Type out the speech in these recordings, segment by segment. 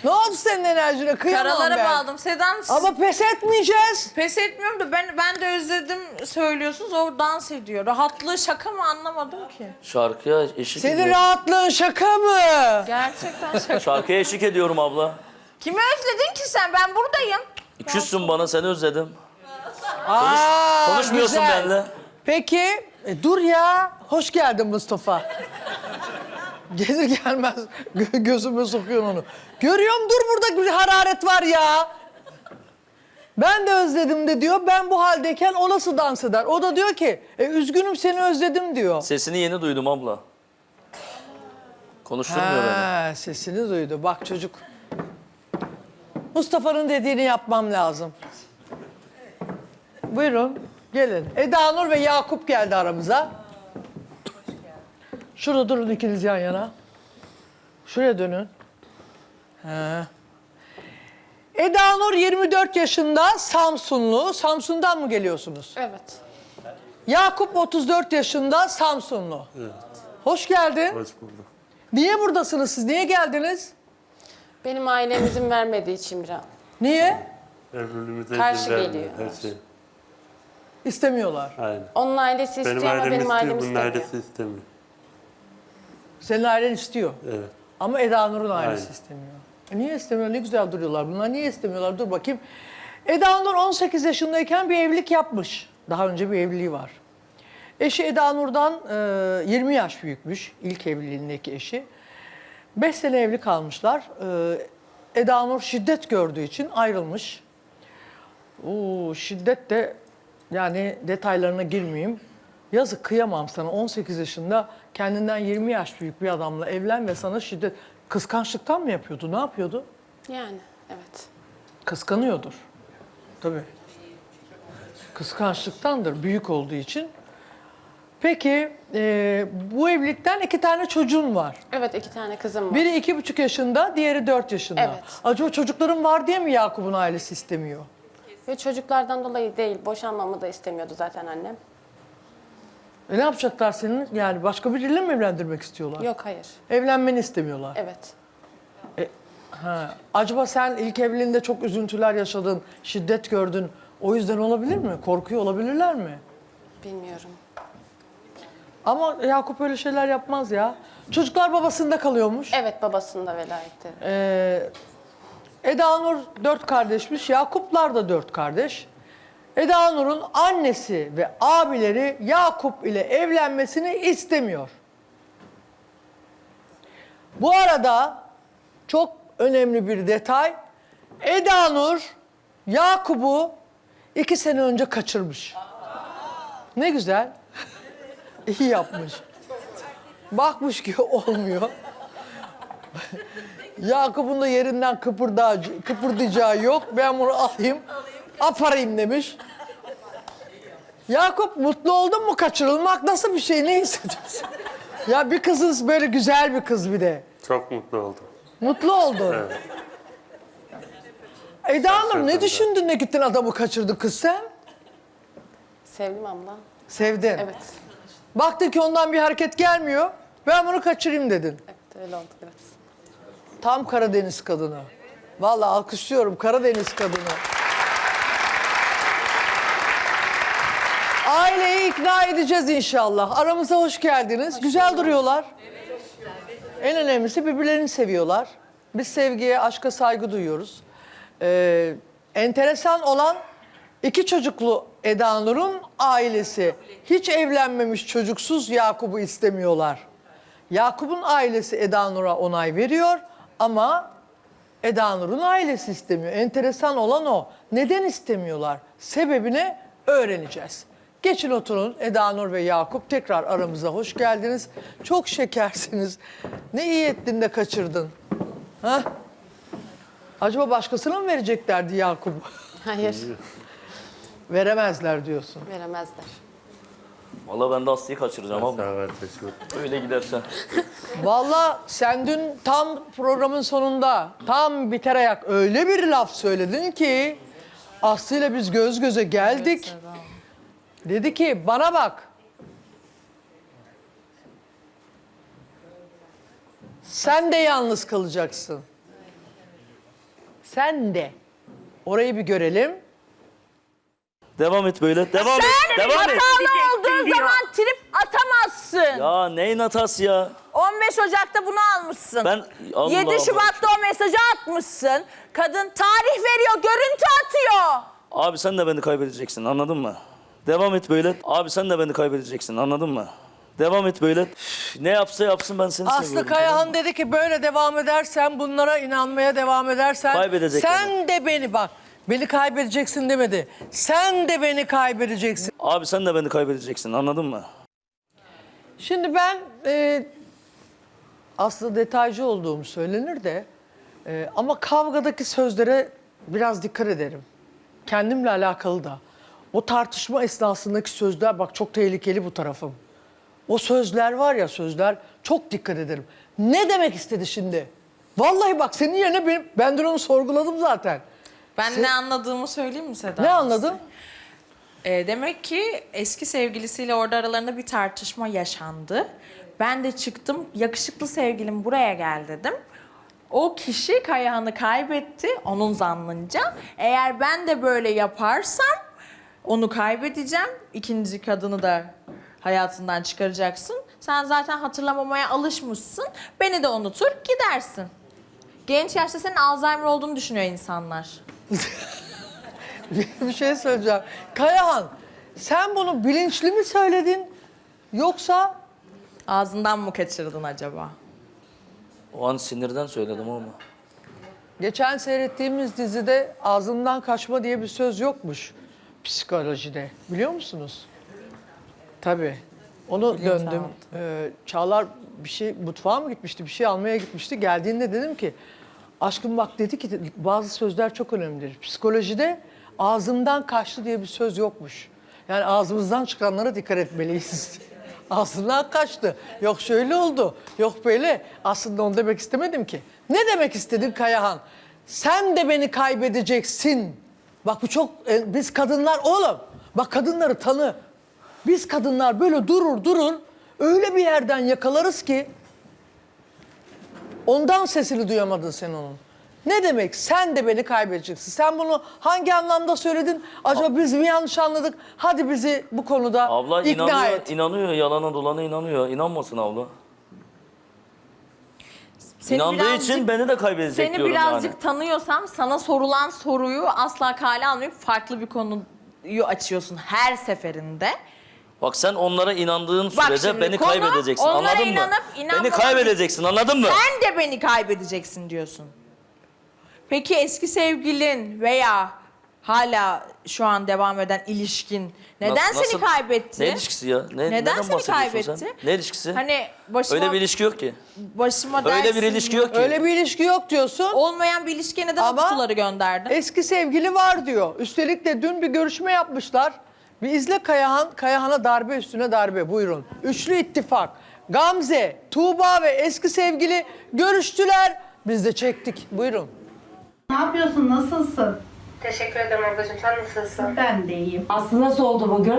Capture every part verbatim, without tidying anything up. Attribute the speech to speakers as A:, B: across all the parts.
A: Ne oldu senin enerjine? Kıyamam
B: Karalara
A: ben.
B: bağladım. Sedan
A: Ama pes etmeyeceğiz.
B: pes etmiyorum da ben ben de özledim söylüyorsunuz. O dans ediyor. Rahatlığı şaka mı anlamadım ki.
C: Şarkıya eşlik
A: Senin
C: ediyorum.
A: rahatlığın şaka mı?
B: Gerçekten şaka.
C: Şarkıya eşlik ediyorum abla.
B: Kimi özledin ki sen? Ben buradayım.
C: Küssün bana, seni özledim.
A: Aa,
C: Konuşmuyorsun
A: güzel.
C: benimle.
A: Peki, e, dur ya. Hoş geldin Mustafa. Gelir gelmez gö- gözüme sokuyorsun onu. Görüyorum, dur burada bir hararet var ya. Ben de özledim de diyor. Ben bu haldeyken o nasıl dans eder? O da diyor ki, e, üzgünüm seni özledim diyor.
C: Sesini yeni duydum abla. Konuşturmuyor beni.
A: Ha, sesini duydu. Bak çocuk. Mustafa'nın dediğini yapmam lazım. Buyurun, gelin. Eda Nur ve Yakup geldi aramıza. Şurada durun ikiniz yan yana. Şuraya dönün. Ha. Eda Nur yirmi dört yaşında, Samsunlu. Samsun'dan mı geliyorsunuz?
B: Evet.
A: Yakup otuz dört yaşında, Samsunlu.
D: Evet.
A: Hoş geldin.
D: Hoş bulduk.
A: Niye buradasınız siz? Niye geldiniz?
E: Benim ailem izin vermediği için biraz.
A: Niye?
D: Evliliğimize
E: Karşı
D: izin vermiyor
E: geliyor.
D: her şey.
A: İstemiyorlar.
D: Aynen.
E: Onun ailesi istiyor
D: Benim
E: ama
D: ailem
E: benim
D: istiyor,
E: ailem
D: bunun
E: istemiyor.
D: ailesi istemiyor.
A: Senin ailen istiyor.
D: Evet.
A: Ama Eda Nur'un ailesi
D: Aynen.
A: istemiyor. E niye istemiyor? Ne güzel duruyorlar. Bunlar niye istemiyorlar? Dur bakayım. Eda Nur on sekiz yaşındayken bir evlilik yapmış. Daha önce bir evliliği var. Eşi Eda Nur'dan e, yirmi yaş büyükmüş. İlk evliliğindeki eşi. beş sene evli kalmışlar. E, Eda Nur şiddet gördüğü için ayrılmış. Oo, şiddet de yani detaylarına girmeyeyim. Yazık, kıyamam sana. on sekiz yaşında kendinden yirmi yaş büyük bir adamla evlen ve sana şiddet... Kıskançlıktan mı yapıyordu? Ne yapıyordu?
E: Yani evet.
A: Kıskanıyordur. Tabii. Kıskançlıktandır, büyük olduğu için. Peki, e, bu evlilikten iki tane çocuğun var.
E: Evet, iki tane kızım var.
A: Biri iki buçuk yaşında, diğeri dört yaşında.
E: Evet.
A: Acaba çocukların var diye mi Yakup'un ailesi istemiyor?
E: Ve çocuklardan dolayı değil, boşanmamı da istemiyordu zaten annem.
A: E ne yapacaklar senin? Yani başka biriyle mi evlendirmek istiyorlar?
E: Yok, hayır.
A: Evlenmeni istemiyorlar.
E: Evet.
A: Ha. Acaba sen ilk evliliğinde çok üzüntüler yaşadın, şiddet gördün. O yüzden olabilir mi? Korkuyor olabilirler mi?
E: Bilmiyorum.
A: Ama Yakup öyle şeyler yapmaz ya. Çocuklar babasında kalıyormuş.
E: Evet, babasının da velayeti.
A: Ee, Eda Nur dört kardeşmiş, Yakuplar da dört kardeş. Eda Nur'un annesi ve abileri Yakup ile evlenmesini istemiyor. Bu arada çok önemli bir detay. Eda Nur Yakup'u iki sene önce kaçırmış. Ne güzel. İyi yapmış. Bakmış ki olmuyor. Yakup'un da yerinden kıpırdayacağı, kıpırdayacağı yok. Ben bunu alayım, aparayım demiş. Yakup, mutlu oldun mu kaçırılmak? Nasıl bir şey? Ne hissediyorsun? Ya bir kızız, böyle güzel bir kız bir de.
D: Çok mutlu oldum.
A: Mutlu oldun.
D: Evet.
A: Eda Nur, ne
D: Şaşırdım
A: düşündün de gittin adamı kaçırdın kız sen?
E: Sevdim abla.
A: Sevdin.
E: Evet.
A: Baktın ki ondan bir hareket gelmiyor. Ben bunu kaçırayım dedin.
E: Evet, öyle oldu biraz.
A: Tam Karadeniz kadını. Vallahi alkışlıyorum Karadeniz kadını. Aileyi ikna edeceğiz inşallah. Aramıza hoş geldiniz. Güzel duruyorlar. En önemlisi birbirlerini seviyorlar. Biz sevgiye, aşka saygı duyuyoruz. Ee, enteresan olan iki çocuklu Eda Nur'un ailesi hiç evlenmemiş çocuksuz Yakup'u istemiyorlar. Yakup'un ailesi Eda Nur'a onay veriyor ama Eda Nur'un ailesi istemiyor. Enteresan olan o. Neden istemiyorlar? Sebebini öğreneceğiz. Geçin oturun Eda Nur ve Yakup, tekrar aramıza hoş geldiniz. Çok şekersiniz. Ne iyi ettin de kaçırdın. Ha? Acaba başkasına mı vereceklerdi Yakup'u?
E: Hayır,
A: Veremezler diyorsun.
E: veremezler.
C: Valla ben de Aslı'yı kaçıracağım abla.
D: Sağ ol, teşekkür ederim.
C: Öyle gidersen.
A: Vallahi sen dün tam programın sonunda, tam biter ayak öyle bir laf söyledin ki Aslı'yla biz göz göze geldik. Dedi ki bana bak. Sen de yalnız kalacaksın. Sen de. Orayı bir görelim.
C: Devam et böyle. Devam et. Devam et.
B: Hatalı olduğun zaman trip atamazsın.
C: Ya neyin hatası ya?
B: on beş Ocak'ta bunu almışsın.
C: Ben Allah
B: yedi
C: Allah.
B: Şubat'ta o mesajı atmışsın. Kadın tarih veriyor, görüntü atıyor.
C: Abi sen de beni kaybedeceksin, anladın mı? Devam et böyle. Abi sen de beni kaybedeceksin, anladın mı? Devam et böyle. Üf, ne yapsa yapsın, ben seni
A: Aslı
C: seviyorum.
A: Kayahan
C: tamam mı?
A: dedi ki böyle devam edersen, bunlara inanmaya devam edersen
C: Kaybedecek
A: sen de beni bak. Beni kaybedeceksin demedi. Sen de beni kaybedeceksin.
C: Abi sen de beni kaybedeceksin, anladın mı?
A: Şimdi ben e, aslında detaycı olduğum söylenir de e, ama kavgadaki sözlere biraz dikkat ederim. Kendimle alakalı da. O tartışma esnasındaki sözler bak çok tehlikeli bu tarafım. O sözler var ya sözler çok dikkat ederim. Ne demek istedi şimdi? Vallahi bak senin yerine benim, ben dün onu sorguladım zaten.
B: Ben
A: Sen-
B: ne anladığımı söyleyeyim mi Seda?
A: Ne anladın?
B: Ee, demek ki eski sevgilisiyle orada aralarında bir tartışma yaşandı. Ben de çıktım, yakışıklı sevgilim buraya gel dedim. O kişi Kayahan'ı kaybetti, onun zannınca. Eğer ben de böyle yaparsam onu kaybedeceğim. İkinci kadını da hayatından çıkaracaksın. Sen zaten hatırlamamaya alışmışsın. Beni de unutur gidersin. Genç yaşta senin Alzheimer olduğunu düşünüyor insanlar.
A: Bir şey söyleyeceğim. Kayahan sen bunu bilinçli mi söyledin yoksa
B: Ağzından mı kaçırdın acaba?
C: O an sinirden söyledim ama.
A: geçen seyrettiğimiz dizide ağzımdan kaçma diye bir söz yokmuş psikolojide. Biliyor musunuz? Tabii. Onu döndüm. Ee, Çağlar bir şey mutfağa mı gitmişti? Bir şey almaya gitmişti. Geldiğinde dedim ki aşkım bak dedi ki bazı sözler çok önemlidir. Psikolojide ağzımdan kaçtı diye bir söz yokmuş. Yani ağzımızdan çıkanlara dikkat etmeliyiz. Ağzından kaçtı. Yok şöyle oldu. Yok böyle. Aslında onu demek istemedim ki. Ne demek istedin Kayahan? Sen de beni kaybedeceksin. Bak bu çok... e, biz kadınlar oğlum. Bak kadınları tanı. Biz kadınlar böyle durur durur. Öyle bir yerden yakalarız ki... Ondan sesini duyamadın sen onun. Ne demek? Sen de beni kaybedeceksin. Sen bunu hangi anlamda söyledin? Acaba biz mi yanlış anladık? Hadi bizi bu konuda
C: Abla
A: ikna
C: inanıyor,
A: et.
C: inanıyor. Yalana dolana inanıyor. İnanmasın abla.
B: Seni
C: İnandığı
B: birazcık-
C: için beni de kaybedecek
B: Seni
C: diyorum
B: birazcık
C: yani.
B: tanıyorsam sana sorulan soruyu asla kale almayıp farklı bir konuyu açıyorsun her seferinde.
C: Bak sen onlara inandığın
B: Bak
C: sürece
B: şimdi
C: beni
B: konu,
C: kaybedeceksin,
B: onlara
C: anladın mı?
B: inanıp
C: Beni
B: inanmamak-
C: kaybedeceksin, anladın mı?
B: Sen de beni kaybedeceksin diyorsun. Peki eski sevgilin veya hala şu an devam eden ilişkin neden
C: Nasıl-
B: seni kaybetti?
C: Ne ilişkisi ya? Ne,
B: Neden
C: neden
B: seni
C: bahsediyorsun
B: kaybetti?
C: sen? Ne ilişkisi?
B: Hani başıma,
C: Öyle bir ilişki yok ki.
B: başıma
C: Öyle bir
B: dersin
C: ilişki yok ki.
A: Öyle bir ilişki yok diyorsun.
B: Olmayan bir ilişkiye neden o
A: Ama
B: kutuları gönderdin?
A: Eski sevgili var diyor. Üstelik de dün bir görüşme yapmışlar. Bir izle Kayahan. Kayahan'a darbe üstüne darbe. Buyurun. Üçlü ittifak. Gamze, Tuğba ve eski sevgili görüştüler. Biz de çektik. Buyurun.
F: Ne yapıyorsun? Nasılsın?
G: Teşekkür ederim ablacığım. Sen nasılsın?
F: Ben de iyiyim.
H: Aslı nasıl oldu bugün?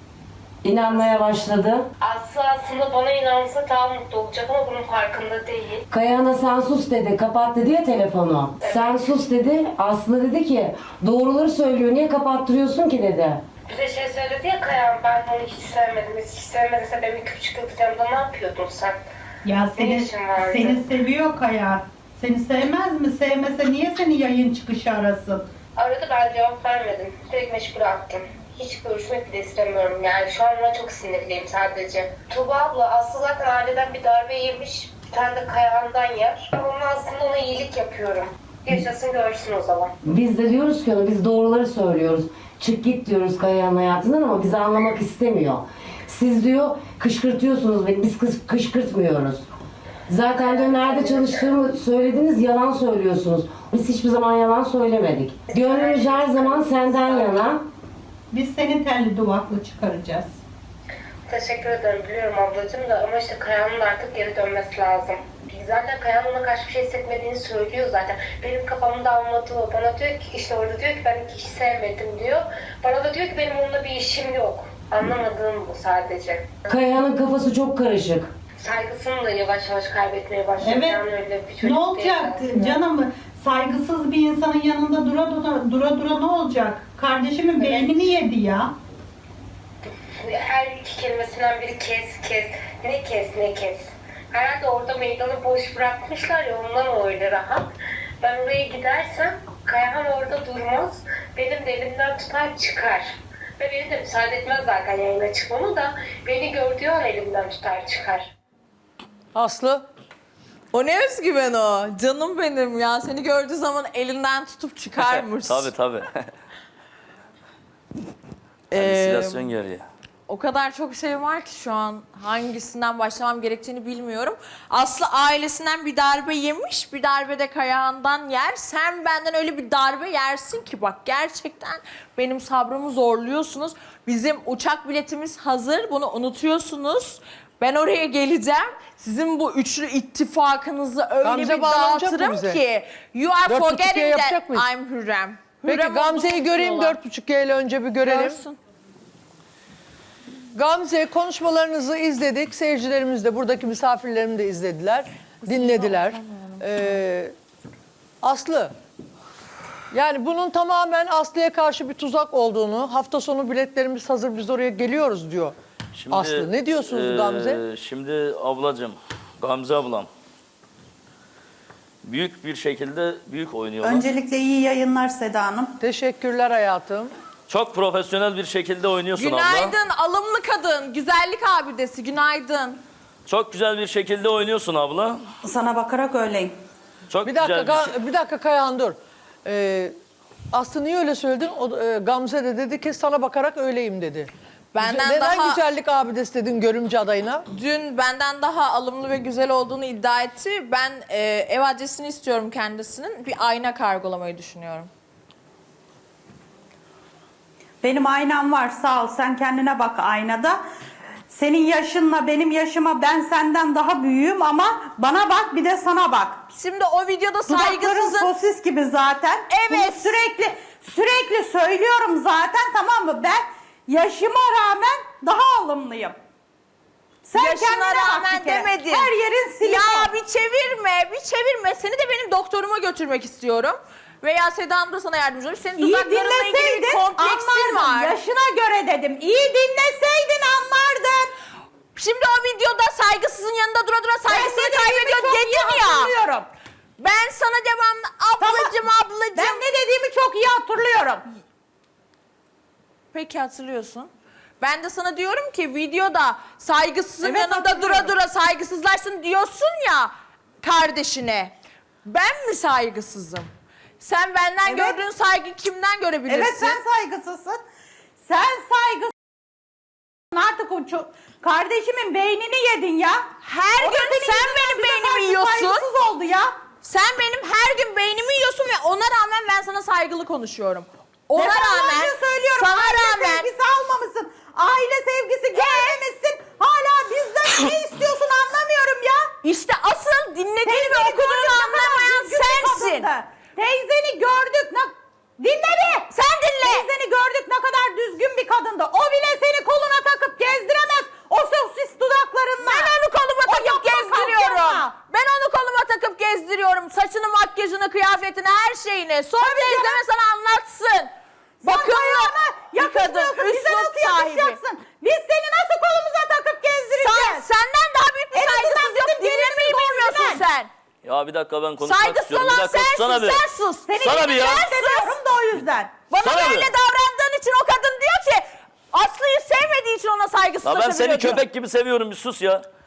H: İnanmaya başladı.
G: Aslı aslında bana inansa daha mutlu olacak ama bunun farkında değil.
H: Kayahan'a sen sus dedi. Kapat dedi ya telefonu. Sen sus dedi. Aslı dedi ki doğruları söylüyor. Niye kapattırıyorsun ki dedi.
G: Bir de şey söyledi ya Kayan, ben onu hiç sevmedim. Hiç sevmediyse benim küçük kılacağımda ne yapıyordun sen?
F: Ya
G: Ne
F: seni,
G: işin vardı?
F: seni seviyor Kaya. Seni sevmez mi? Sevmese niye seni yayın çıkışı arasın?
G: Aradı, ben cevap vermedim. Direkt meşgul attım. Hiç görüşmek bile istemiyorum yani. Şu an ona çok sinirliyim sadece. Tuğba abla, Aslı zaten aileden bir darbe yemiş. Bir tane de Kayahan'dan yer. Ama aslında ona iyilik yapıyorum. Yaşasın görsün o zaman.
H: Biz de diyoruz ki ona biz doğruları söylüyoruz. Çık git diyoruz Kayahan'ın hayatından ama bizi anlamak istemiyor. Siz diyor kışkırtıyorsunuz beni. Biz kış, kışkırtmıyoruz. Zaten diyor nerede çalıştığımı söylediniz, yalan söylüyorsunuz. Biz hiçbir zaman yalan söylemedik. Gönlümüz her zaman senden yana.
F: Biz seni telli duvaklı çıkaracağız.
G: Teşekkür ederim, biliyorum ablacığım da ama işte Kayan'ın artık geri dönmesi lazım. Zaten Kayan ona karşı bir şey hissetmediğini söylüyor zaten. Benim kafamda anlatığı o. Bana diyor ki işte orada diyor ki ben hiç sevmedim diyor. Bana da diyor ki benim onunla bir işim yok. Anlamadığım bu sadece.
H: Kayahan'ın kafası çok karışık.
G: Saygısını da yavaş yavaş kaybetmeye başladı.
F: Evet.
G: Yani öyle bir çocuk
F: Ne
G: değil
F: olacak
G: aslında.
F: canım? Saygısız bir insanın yanında dura dura, dura, dura ne olacak? Kardeşimin beynini yedi ya.
G: Her iki kelimesinden biri kes kes. Ne kes ne kes. Herhalde orada meydanı boş bırakmışlar ya, ondan öyle rahat. Ben oraya gidersem Kayahan orada durmaz. Benim de elimden tutar çıkar. Ve beni de müsaade etmez zaten yayına çıkmamı da. Beni gördüğü an elimden tutar çıkar.
A: Aslı?
B: O ne özgüven o? Canım benim ya. Seni gördüğü zaman elinden tutup çıkarmış.
C: tabii tabii.
A: Ee,
C: Halüsinasyon geriye.
B: O kadar çok şey var ki şu an hangisinden başlamam gerektiğini bilmiyorum. Aslı ailesinden bir darbe yemiş, bir darbe de Kayahan'dan yer. Sen benden öyle bir darbe yersin ki bak gerçekten benim sabrımı zorluyorsunuz. Bizim uçak biletimiz hazır, bunu unutuyorsunuz. Ben oraya geleceğim. Sizin bu üçlü ittifakınızı öyle
A: Gamze
B: bir
A: bağlanacak mı
B: dağıtırım
A: bize?
B: ki. You are
A: Dört buçuk
B: forgetting
A: G
B: that
A: yapacak mıyız?
B: I'm Hürrem.
A: Peki
B: Hürrem
A: Gamze'yi
B: olduğunu
A: göreyim,
B: unutuyorlar.
A: dört buçuk G ile önce bir görelim.
B: Görsün.
A: Gamze, konuşmalarınızı izledik. Seyircilerimiz de, buradaki misafirlerim de izlediler, dinlediler. Ee, Aslı, yani bunun tamamen Aslı'ya karşı bir tuzak olduğunu, hafta sonu biletlerimiz hazır, biz oraya geliyoruz diyor.
C: Şimdi,
A: Aslı, ne diyorsunuz
C: eee,
A: Gamze?
C: Şimdi ablacığım, Gamze ablam. Büyük bir şekilde büyük oynuyorlar.
I: Öncelikle iyi yayınlar Seda Hanım.
A: Teşekkürler hayatım.
C: Çok profesyonel bir şekilde oynuyorsun abla.
B: Günaydın alımlı kadın, güzellik abidesi, günaydın.
C: Çok güzel bir şekilde oynuyorsun abla.
I: Sana bakarak öyleyim.
C: Çok
A: Bir dakika,
C: güzel bir şey.
A: Ga- bir dakika Kayahan dur. Ee, Aslı niye öyle söyledin? O, e, Gamze de dedi ki sana bakarak öyleyim dedi.
B: Benden
A: Neden
B: daha
A: güzellik abidesi dedin görümce adayına?
B: dün benden daha alımlı ve güzel olduğunu iddia etti. Ben e, ev adresini istiyorum kendisinin. Bir ayna kargolamayı düşünüyorum.
I: Benim aynam var, sağ ol. Sen kendine bak aynada. Senin yaşınla benim yaşıma ben senden daha büyüğüm ama bana bak bir de sana bak.
B: Şimdi o videoda
I: Dudakların
B: saygısızın...
I: sosis gibi zaten.
B: Evet.
I: Bunu sürekli sürekli söylüyorum zaten, tamam mı? Ben yaşıma rağmen daha alımlıyım. Sen
B: Yaşına
I: kendine bak
B: rağmen
I: bir kere.
B: demedin.
I: Her yerin silikon.
B: Ya bir çevirme, bir çevirme. Seni de benim doktoruma götürmek istiyorum. Veya Seda Hanım da sana yardımcı olur. Senin
I: İyi
B: dudaklarınla ilgili bir
I: dinleseydin
B: kompleksin
I: anlardın.
B: var.
I: Yaşına göre dedim. İyi dinleseydin anlardın.
B: Şimdi o videoda saygısızın yanında dura dura saygısını
I: Ben ne dediğimi
B: kaybediyor
I: çok iyi
B: dedim ya.
I: hatırlıyorum.
B: Ben sana devamlı ablacım
I: Tamam.
B: ablacım.
I: Ben ne dediğimi çok iyi hatırlıyorum.
B: Peki hatırlıyorsun. Ben de sana diyorum ki videoda saygısızın
I: Evet,
B: yanında dura
I: hatırlıyorum.
B: dura saygısızlaşsın diyorsun ya kardeşine. Ben mi saygısızım? Sen benden
I: Evet.
B: gördüğün saygı kimden görebilirsin?
I: Evet, sen saygısızsın. Sen saygısızsın. Artık o çok... Kardeşimin beynini yedin ya.
B: Her
I: O da
B: gün
I: senin
B: sen
I: yüzünden
B: benim
I: bize
B: beynimi
I: karşı
B: yiyorsun.
I: Saygısız oldu ya.
B: Sen benim her gün beynimi yiyorsun ve ona rağmen ben sana saygılı konuşuyorum. Ona
I: Defalarca
B: rağmen,
I: söylüyorum.
B: sana
I: aile
B: rağmen
I: sevgisi almamışsın. Aile sevgisi görmemişsin. Hala bizden ne istiyorsun anlamıyorum ya.
B: işte asıl dinlediğini ve
I: Teyzeni
B: okuduğunu
I: gördük, ne kadar
B: anlamayan
I: düzgün bir
B: sensin.
I: kadındı. Teyzeni gördük. Ne... Dinle bir.
B: Sen dinle.
I: Teyzeni gördük, ne kadar düzgün bir kadındı. O bile seni koluna takıp gezdiremez. O sosis dudaklarınla.
B: Ben onu koluma
I: O
B: takıp
I: yapma
B: gezdiriyorum.
I: kalkma.
B: Ben onu koluma takıp gezdiriyorum. Saçını, makyajını, kıyafetini, her şeyini. Sonra
I: Tabii
B: teyzeme sana anlatsın. Bakın
I: Ayağına
B: bir kadın,
I: yakışmıyorsun. Bize
B: üslup
I: nasıl
B: sahibi.
I: yakışacaksın? Biz seni nasıl kolumuza takıp
B: Sen,
I: gezdireceğiz?
B: senden daha büyük bir
I: En azından
B: saygısız yok.
I: bizim
B: Dinlemeyi
I: gelinimiz
B: bilmiyorsun
I: orijinal.
B: sen.
C: Ya bir dakika ben konuşmak
B: Saygısız
C: istiyorum. Bir
B: olan
C: dakika
B: sensin,
C: sana bir.
B: sen sus.
I: Seni
C: Sana bir ya.
I: seviyorum da o yüzden.
B: Bana
C: Sana
B: böyle
C: bir.
B: davrandığın için o kadın diyor ki Aslı'yı sevmediği için ona
C: Ya ben
B: saygısızlaşabiliyor
C: seni
B: diyor.
C: köpek gibi seviyorum, bir sus ya.